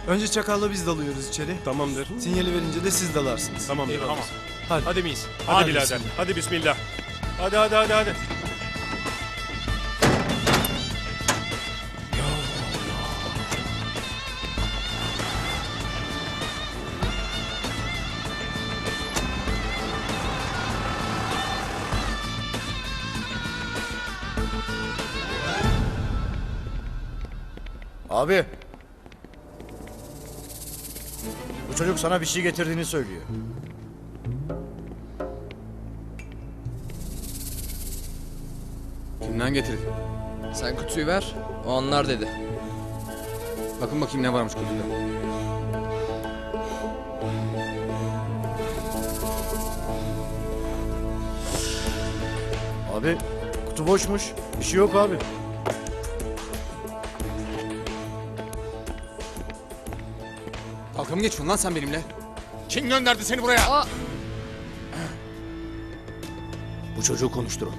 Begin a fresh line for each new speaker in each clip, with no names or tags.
Önce Çakal'la biz dalıyoruz içeri.
Tamamdır.
Sinyali verince de siz dalarsınız.
Tamamdır.
Eyvallah.
Tamam.
Hadi.
Hadi miyiz? Hadi birader.
bismillah.
Hadi bismillah. Hadi.
Abi. Bu çocuk sana bir şey getirdiğini söylüyor.
Kimden getirdin? Sen kutuyu ver, o anlar dedi. Bakın bakayım ne varmış kutuda.
Abi kutu boşmuş. Bir şey yok abi.
Dalga mı geçiyorsun lan sen benimle?
Kim gönderdi seni buraya?
Bu çocuğu konuşturun.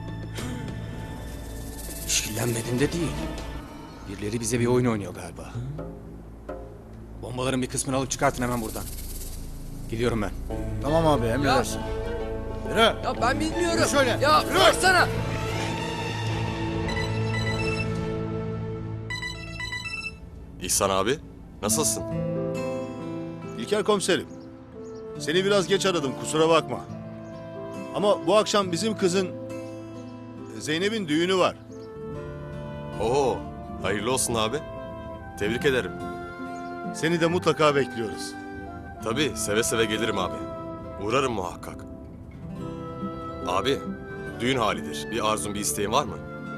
İşkillenmedim de değil. Birileri bize bir oyun oynuyor galiba. Bombaların bir kısmını alıp çıkartın hemen buradan. Gidiyorum ben.
Tamam abi emredersin. Yürü.
Ya ben bilmiyorum.
Yürü şöyle.
Ya
Yürü.
bıraksana.
İhsan abi, nasılsın?
İlker komiserim. Seni biraz geç aradım kusura bakma. Ama bu akşam bizim kızın Zeynep'in düğünü var.
Oo, hayırlı olsun abi. Tebrik ederim.
Seni de mutlaka bekliyoruz.
Tabii, seve seve gelirim abi. Uğrarım muhakkak. Abi, düğün halidir. Bir arzun, bir isteğin var mı?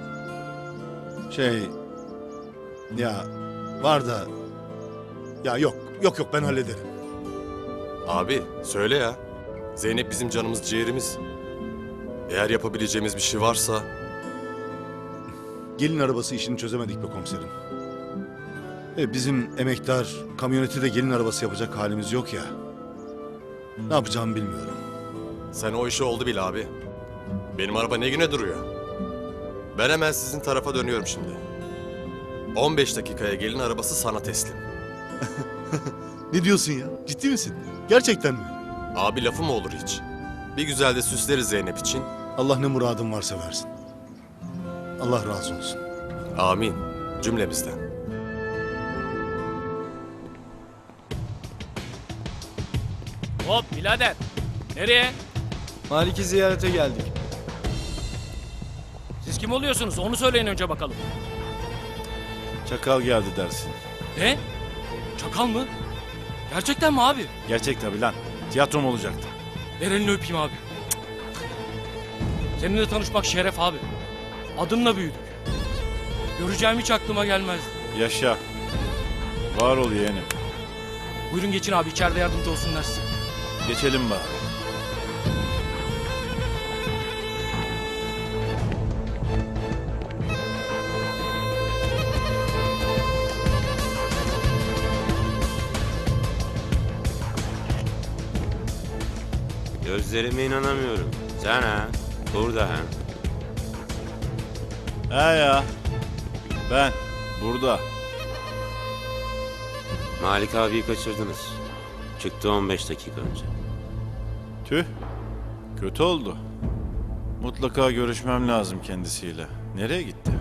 Ya var da ya yok ben hallederim.
Abi, söyle ya. Zeynep bizim canımız, ciğerimiz. Eğer yapabileceğimiz bir şey varsa...
Gelin arabası işini çözemedik be komiserim. Bizim emektar kamyoneti de gelin arabası yapacak halimiz yok ya. Ne yapacağımı bilmiyorum.
Sen o işi oldu bil abi. Benim araba ne güne duruyor? Ben hemen sizin tarafa dönüyorum şimdi. 15 dakikaya gelin arabası sana teslim.
Ne diyorsun ya? Ciddi misin? Gerçekten mi?
Abi lafı mı olur hiç? Bir güzel de süsleriz Zeynep için.
Allah ne muradın varsa versin. Allah razı olsun.
Amin. Cümlemizden.
Hop birader. Nereye?
Malik'i ziyarete geldik.
Siz kim oluyorsunuz? Onu söyleyin önce bakalım.
Çakal geldi dersin.
Ne? Çakal mı? Gerçekten mi abi?
Gerçek tabii lan. Tiyatrom olacaktı.
Ver elini öpeyim abi. Seninle tanışmak şeref abi. Adınla büyüdük. Göreceğim hiç aklıma gelmezdi.
Yaşa. Var ol yeğenim.
Buyurun geçin abi, içeride yardımcı olsunlar size.
Geçelim bari.
Gözlerime inanamıyorum. Sen ha? Burada ha?
He ya. Ben. Burada.
Malik abiyi kaçırdınız. Çıktı 15 dakika önce.
Tüh. Kötü oldu. Mutlaka görüşmem lazım kendisiyle. Nereye gitti?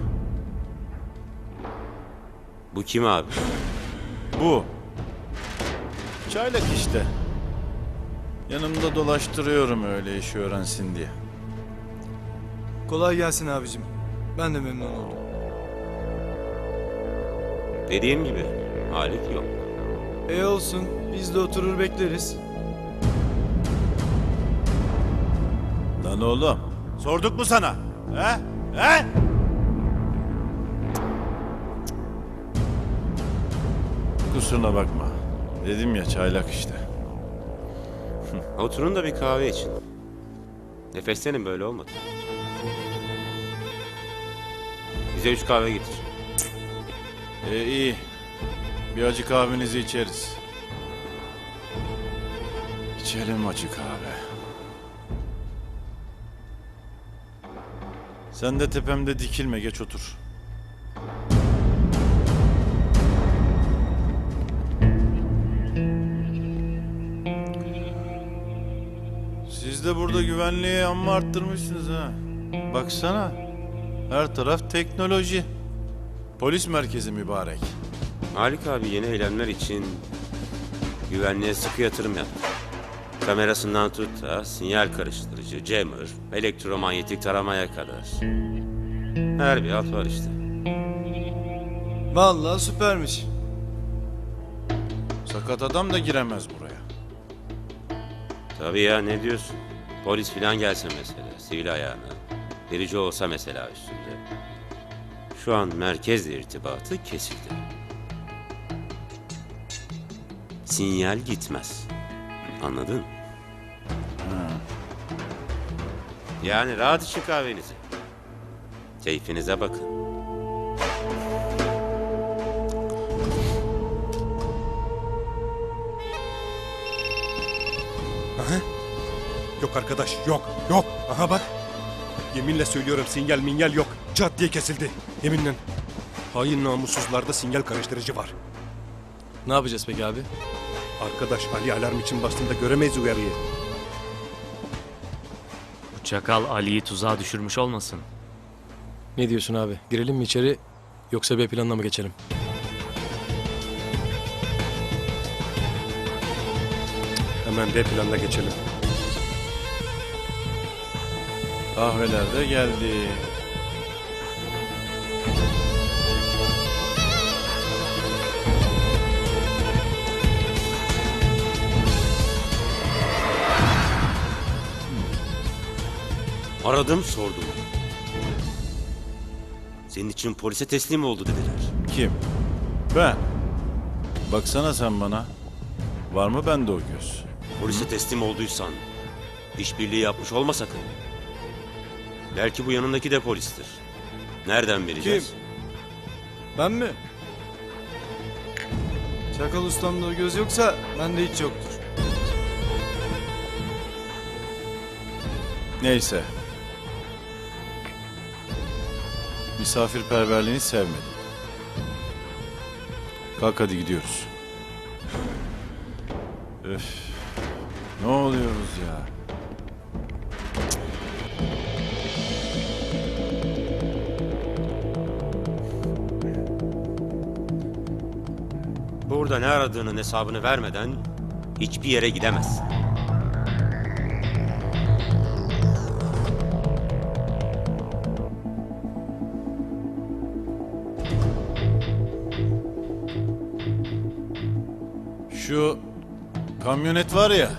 Bu kim abi?
Bu. Çaylak işte. Yanımda dolaştırıyorum öyle işi öğrensin diye.
Kolay gelsin abicim. Ben de memnun oldum.
Dediğim gibi Malik yok.
Olsun. Biz de oturur bekleriz.
Lan oğlum. Sorduk mu sana? He? He? Kusuruna bakma. Dedim ya çaylak işte.
Oturun da bir kahve için. Nefeslenin, böyle olmadı. Bize 3 kahve getir.
İyi. Bir acı kahvenizi içeriz. İçelim acı kahve. Sen de tepemde dikilme, geç otur. de burada güvenliği amma arttırmışsınız ha. Baksana. Her taraf teknoloji. Polis merkezi mübarek.
Malik abi yeni eylemler için güvenliğe sıkı yatırım yaptı. Kamerasından tut da sinyal karıştırıcı, jammer, elektromanyetik taramaya kadar. Her bir alt var işte.
Vallahi süpermiş.
Sakat adam da giremez buraya.
Tabii ya, ne diyorsun? Polis filan gelse mesela, sivil ayağına. Birici olsa mesela üstünde. Şu an merkezle irtibatı kesildi. Sinyal gitmez. Anladın? Yani rahat için kahvenizi. Keyfinize bakın.
Yok arkadaş, yok, yok. Aha bak. Yeminle söylüyorum, sinyal minyal yok. Çat diye kesildi. Yeminle. Hain namussuzlarda sinyal karıştırıcı var.
Ne yapacağız peki abi?
Arkadaş, Ali alarm için bastığında göremeyiz uyarıyı.
Bu çakal Ali'yi tuzağa düşürmüş olmasın?
Ne diyorsun abi? Girelim mi içeri yoksa B planına mı geçelim?
Hemen B planına geçelim.
Kahveler de geldi.
Aradım, sordum. Senin için polise teslim oldu dediler.
Kim? Ben. Baksana sen bana. Var mı bende o göz?
Polise teslim olduysan işbirliği yapmış olma sakın. Belki bu yanındaki de polistir. Nereden bileceğiz?
Ben mi? Çakal ustamda o göz yoksa bende hiç yoktur.
Neyse. Misafirperverliğini sevmedim. Kalk hadi gidiyoruz. Öf. Ne oluyoruz ya?
Burada ne aradığının hesabını vermeden hiçbir yere gidemezsin.
Şu kamyonet var ya.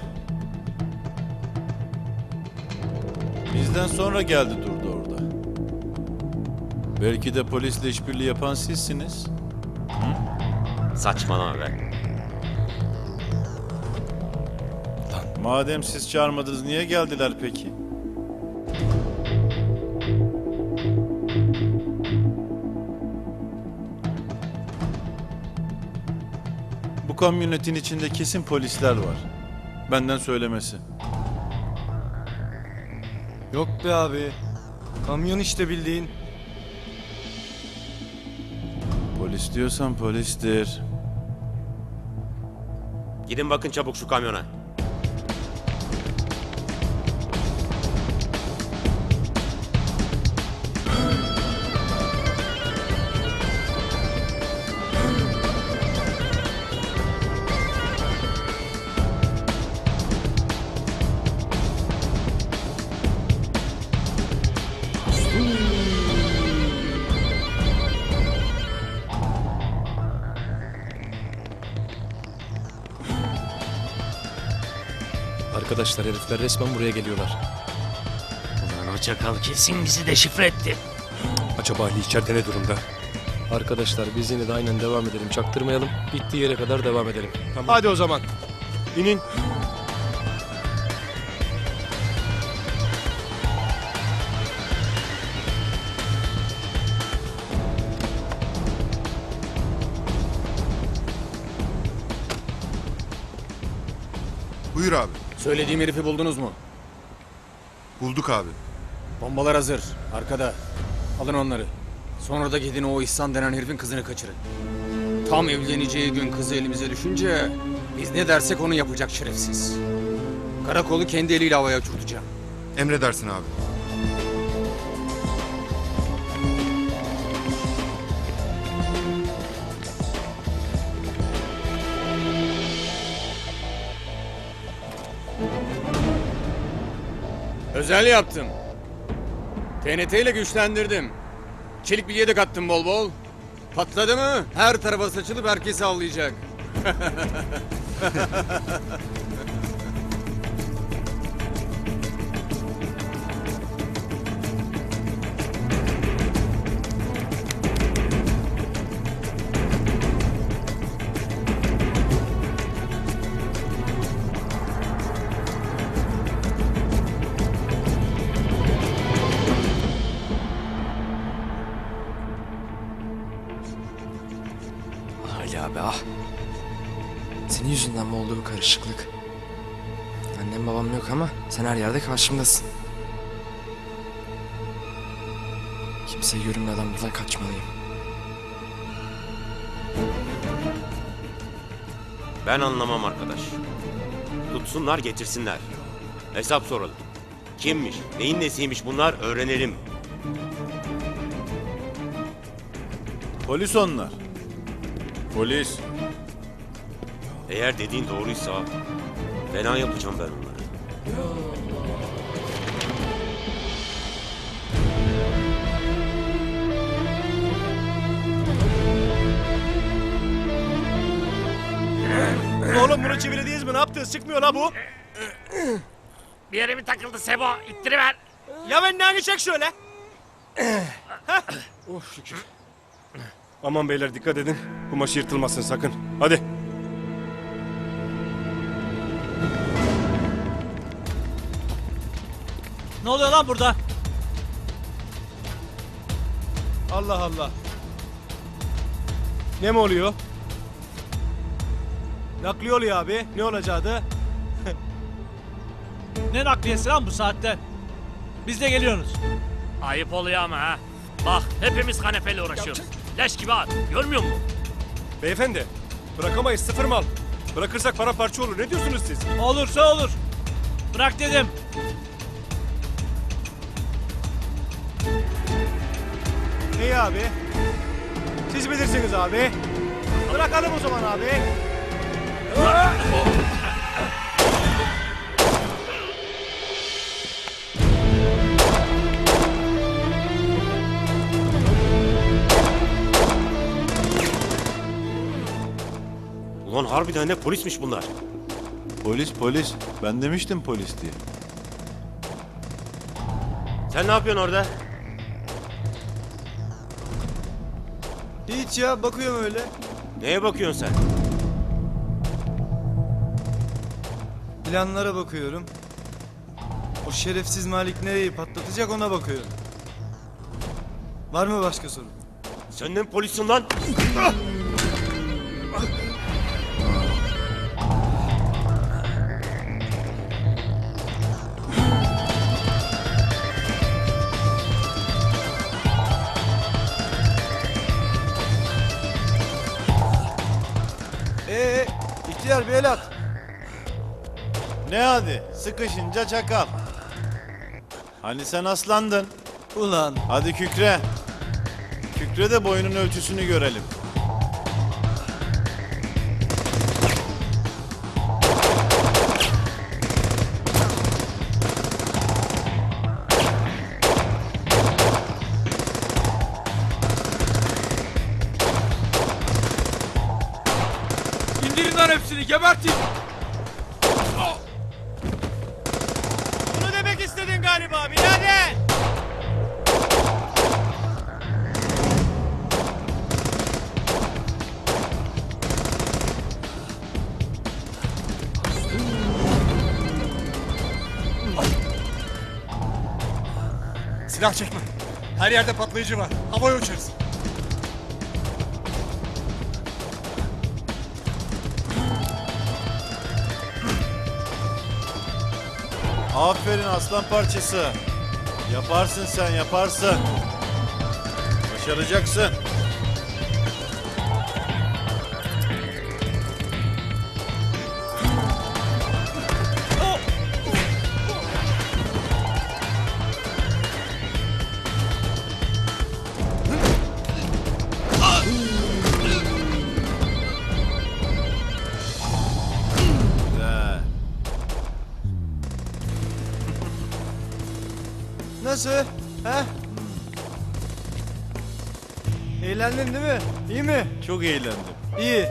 Bizden sonra geldi durdu orada. Belki de polisle işbirliği yapan sizsiniz.
Saçmalama be.
Madem siz çağırmadınız niye geldiler peki? Bu kamyonetin içinde kesin polisler var. Benden söylemesi.
Yok be abi. Kamyon işte bildiğin.
Polis diyorsan polistir.
Gidin bakın çabuk şu kamyona.
Arkadaşlar herifler resmen buraya geliyorlar.
Ulan o çakal kesin bizi deşifre etti.
Acaba Ali içeride ne durumda?
Arkadaşlar biz yine de aynen devam edelim. Çaktırmayalım. Bittiği yere kadar devam edelim.
Hadi o zaman. İnin.
Buyur abi.
Söylediğim herifi buldunuz mu?
Bulduk abi.
Bombalar hazır. Arkada. Alın onları. Sonra da gidin o İhsan denen herifin kızını kaçırın. Tam evleneceği gün kızı elimize düşünce biz ne dersek onu yapacak şerefsiz. Karakolu kendi eliyle havaya uçurtacağım.
Emredersin abi.
Özel yaptım. TNT ile güçlendirdim. Çelik bilye de kattım bol bol. Patladı mı her tarafa saçılıp herkesi avlayacak.
Ali abi ah. Senin yüzünden mi oldu bu karışıklık? Annem babam yok ama sen her yerde karşımdasın. Kimseye görünmeden buradan kaçmalıyım.
Ben anlamam arkadaş. Tutsunlar getirsinler. Hesap soralım. Kimmiş, neyin nesiymiş bunlar öğrenelim.
Polis onlar. Polis.
Eğer dediğin doğruysa fena yapacağım ben onları.
Oğlum bunu çevirediyiz mi? Ne yaptınız? Çıkmıyor la bu.
Bir yere mi takıldı Sebo? İttiriver.
Ya ben ne çek şöyle. Oh şükür. Aman beyler dikkat edin. Kumaş yırtılmasın sakın. Hadi.
Ne oluyor lan burada? Allah Allah. Ne mi oluyor? Nakliye oluyor abi. Ne olacaktı?
Ne nakliyesi lan bu saatte? Biz de geliyoruz.
Ayıp oluyor ama ha. Bak hepimiz kanepeyle uğraşıyoruz. Leş gibi at. Görmüyor musun?
Beyefendi. Bırakamayız sıfır mal. Bırakırsak para parça olur. Ne diyorsunuz siz?
Olursa olur. Bırak dedim.
İyi abi. Siz bilirsiniz abi. Bırakalım o zaman abi.
Ulan harbiden ne polismiş bunlar.
Polis. Ben demiştim polis diye.
Sen ne yapıyorsun orada?
Hiç ya bakıyorum öyle.
Neye bakıyorsun sen?
Planlara bakıyorum. O şerefsiz Malik nereyi patlatacak ona bakıyorum. Var mı başka sorun?
Sen de mi polissin lan?
İhtiyar bir el at.
Ne hadi? Sıkışınca çakal. Hani sen aslandın?
Ulan.
Hadi kükre. Kükre de boyunun ölçüsünü görelim.
İndirin lan hepsini gebertin.
Bunu demek istedin galiba birader.
Silah çekme. Her yerde patlayıcı var. Havaya uçarız.
Aferin aslan parçası. Yaparsın sen yaparsın. Başaracaksın.
Nasıl? He? Eğlendin değil mi? İyi mi?
Çok eğlendim.
İyi.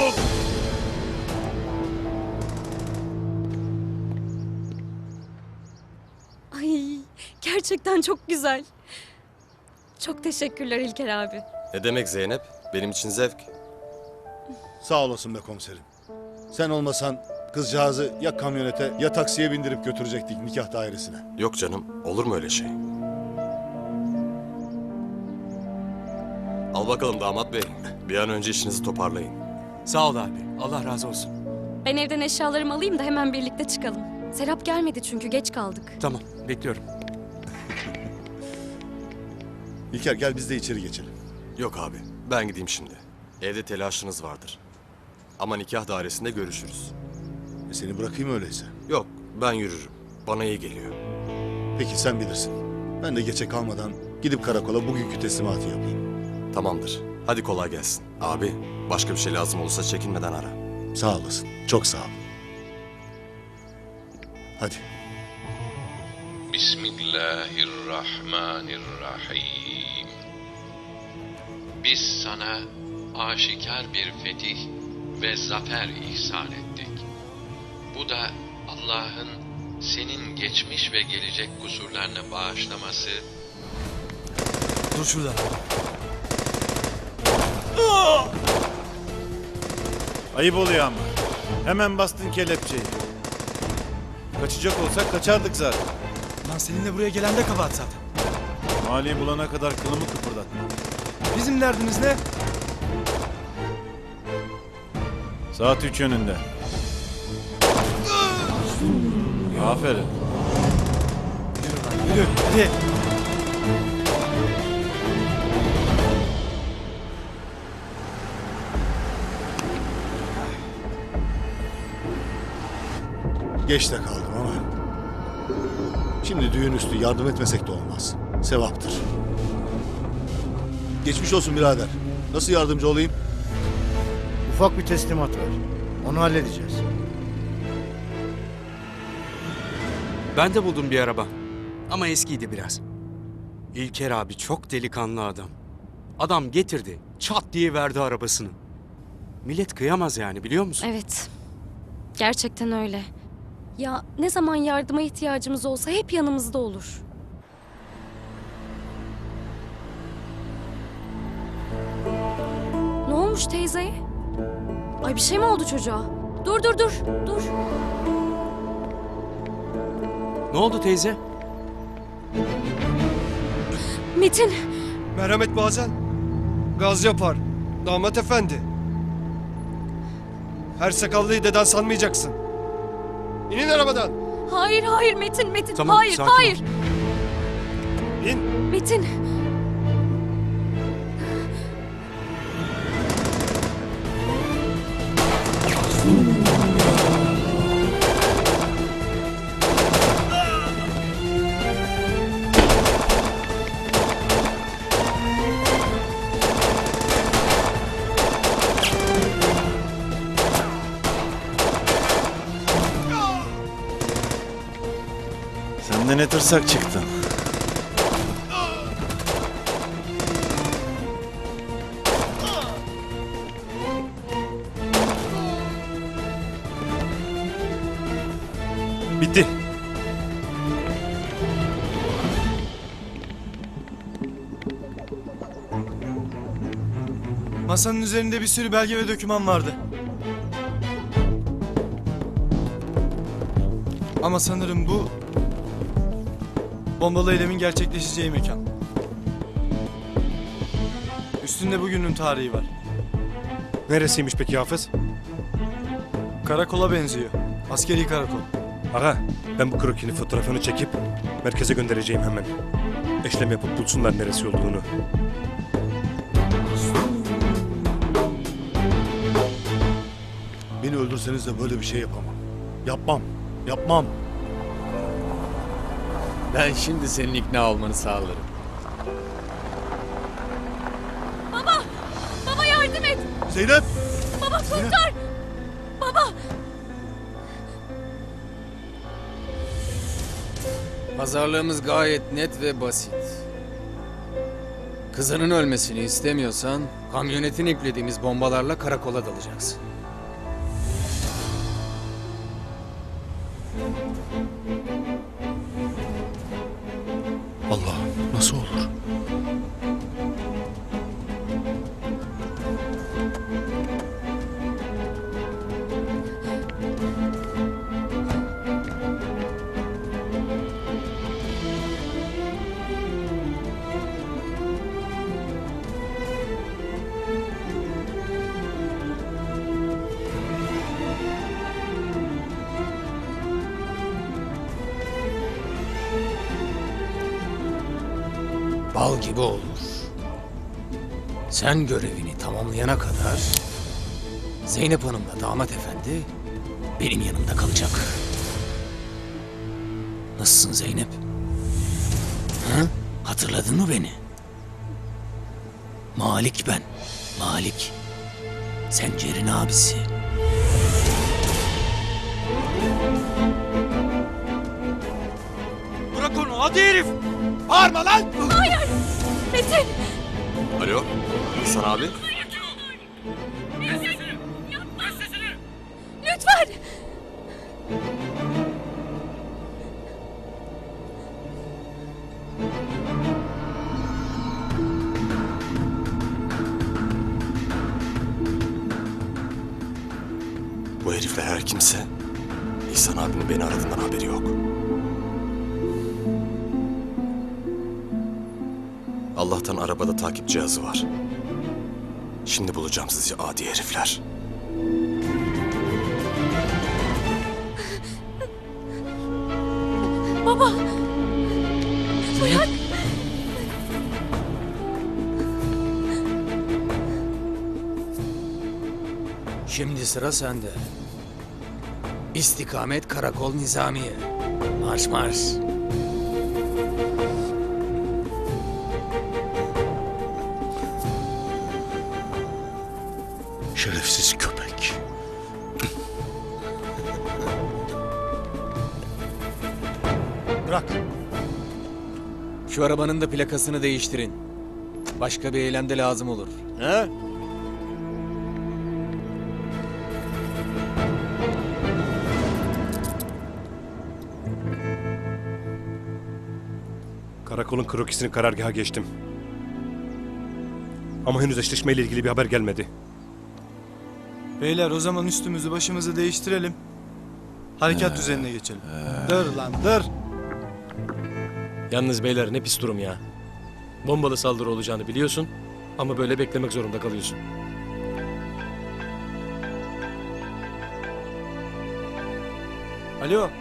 Ay gerçekten çok güzel. Çok teşekkürler İlker abi.
Ne demek Zeynep? Benim için zevk.
Sağ olasın be komiserim. Sen olmasan kızcağızı ya kamyonete ya taksiye bindirip götürecektik nikah dairesine.
Yok canım, olur mu öyle şey? Al bakalım damat bey. Bir an önce işinizi toparlayın.
Sağ ol abi. Allah razı olsun.
Ben evden eşyalarımı alayım da hemen birlikte çıkalım. Serap gelmedi çünkü geç kaldık.
Tamam, bekliyorum.
İlker gel biz de içeri geçelim.
Yok abi, ben gideyim şimdi. Evde telaşınız vardır. Ama nikah dairesinde görüşürüz.
Seni bırakayım öyleyse.
Yok, ben yürürüm. Bana iyi geliyor.
Peki sen bilirsin. Ben de geçe kalmadan gidip karakola bugünkü teslimatı yapayım.
Tamamdır. Hadi kolay gelsin. Abi, başka bir şey lazım olursa çekinmeden ara.
Sağ olasın. Çok sağ ol. Hadi.
Bismillahirrahmanirrahim. Biz sana aşikar bir fetih ve zafer ihsan ettik. Bu da Allah'ın senin geçmiş ve gelecek kusurlarını bağışlaması.
Dur şurada.
Ayıp oluyor ama. Hemen bastın kelepçeyi. Kaçacak olsak kaçardık zaten.
Lan seninle buraya gelen de kabahat zaten.
Mali'yi bulana kadar kılımı kıpırdatma.
Bizim derdimiz ne?
Saat 3 yönünde. Aferin.
Yürü hadi.
Geç de kaldım ama. Şimdi düğün üstü yardım etmesek de olmaz. Sevaptır. Geçmiş olsun birader. Nasıl yardımcı olayım?
Ufak bir teslimat var. Onu halledeceğiz.
Ben de buldum bir araba. Ama eskiydi biraz. İlker abi çok delikanlı adam. Adam getirdi, çat diye verdi arabasını. Millet kıyamaz yani, biliyor musun?
Evet. Gerçekten öyle. Ya ne zaman yardıma ihtiyacımız olsa hep yanımızda olur. Ne olmuş teyzeye? Ay bir şey mi oldu çocuğa? Dur. Dur.
Ne oldu teyze?
Metin.
Merhamet bazen gaz yapar. Damat efendi. Her sakallıyı deden sanmayacaksın. İnin arabadan.
Hayır Metin.
Tamam,
hayır.
sakin ol.
İn.
Metin.
Sen de ne tırsak çıktın.
Bitti.
Masanın üzerinde bir sürü belge ve doküman vardı. Ama sanırım bu bombalı eylemin gerçekleşeceği mekan. Üstünde bugünün tarihi var.
Neresiymiş peki Hafız?
Karakola benziyor. Askeri karakol.
Aga, ben bu krokinin fotoğrafını çekip merkeze göndereceğim hemen. Eşlem yapıp bulsunlar neresi olduğunu.
Beni öldürseniz de böyle bir şey yapamam. Yapmam.
Ben şimdi senin ikna olmanı sağlarım.
Baba yardım et.
Zeynep!
Baba kurtar. Baba.
Pazarlığımız gayet net ve basit. Kızının ölmesini istemiyorsan kamyonetin yüklediğimiz bombalarla karakola dalacaksın.
Allah'ım nasıl olur?
Bal gibi olur. Sen görevini tamamlayana kadar Zeynep Hanım'la damat efendi benim yanımda kalacak. Nasılsın Zeynep? Ha? Hatırladın mı beni? Malik ben. Malik. Sencer'in abisi.
Bırak onu hadi herif. Bağırma lan.
Hayır! Metin!
Alo, İhsan abi.
Lütfen!
Bu herifler her kimse İhsan abinin beni aradığından haberi yok. Allah'tan arabada takip cihazı var. Şimdi bulacağım sizi adi herifler.
Baba! Uyan!
Şimdi sıra sende. İstikamet Karakol Nizamiye. Marş marş.
Şerefsiz köpek.
Bırak. Şu arabanın da plakasını değiştirin. Başka bir eylemde lazım olur. He?
Karakolun krokisini karargaha geçtim. Ama henüz eşleşmeyle ilgili bir haber gelmedi.
Beyler o zaman üstümüzü başımızı değiştirelim. Harekat düzenine geçelim. Dur lan dur.
Yalnız beyler ne pis durum ya. Bombalı saldırı olacağını biliyorsun ama böyle beklemek zorunda kalıyorsun.
Alo.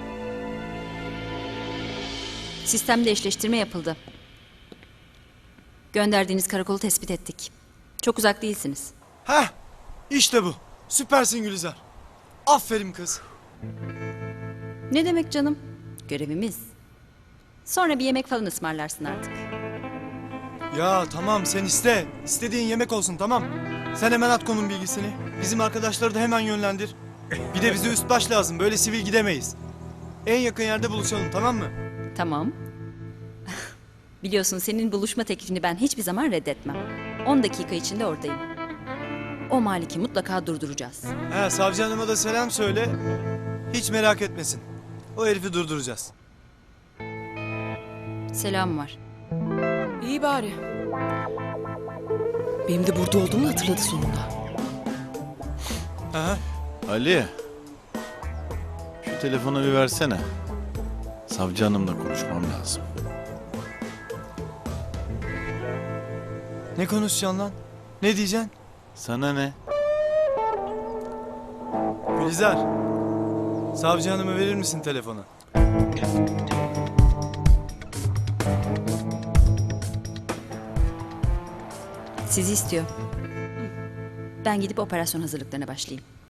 Sistemde eşleştirme yapıldı. Gönderdiğiniz karakolu tespit ettik. Çok uzak değilsiniz.
Heh işte bu. Süpersin Gülizar. Aferin kız.
Ne demek canım? Görevimiz. Sonra bir yemek falan ısmarlarsın artık.
Ya tamam sen iste. İstediğin yemek olsun tamam. Sen hemen at konum bilgisini. Bizim arkadaşları da hemen yönlendir. Bir de bize üst baş lazım. Böyle sivil gidemeyiz. En yakın yerde buluşalım tamam mı?
Tamam. Biliyorsun senin buluşma teklifini ben hiçbir zaman reddetmem. 10 dakika içinde oradayım. O Malik'i mutlaka durduracağız.
He savcı hanıma da selam söyle. Hiç merak etmesin. O herifi durduracağız.
Selam var.
İyi bari. Benim de burada olduğumu hatırladı sonunda.
Aha.
Ali. Şu telefonu bir versene. Savcı hanımla konuşmam lazım.
Ne konuşacaksın lan? Ne diyeceksin?
Sana ne?
Gülizar. Savcı hanımı verir misin telefonu?
Sizi istiyor. Ben gidip operasyon hazırlıklarına başlayayım.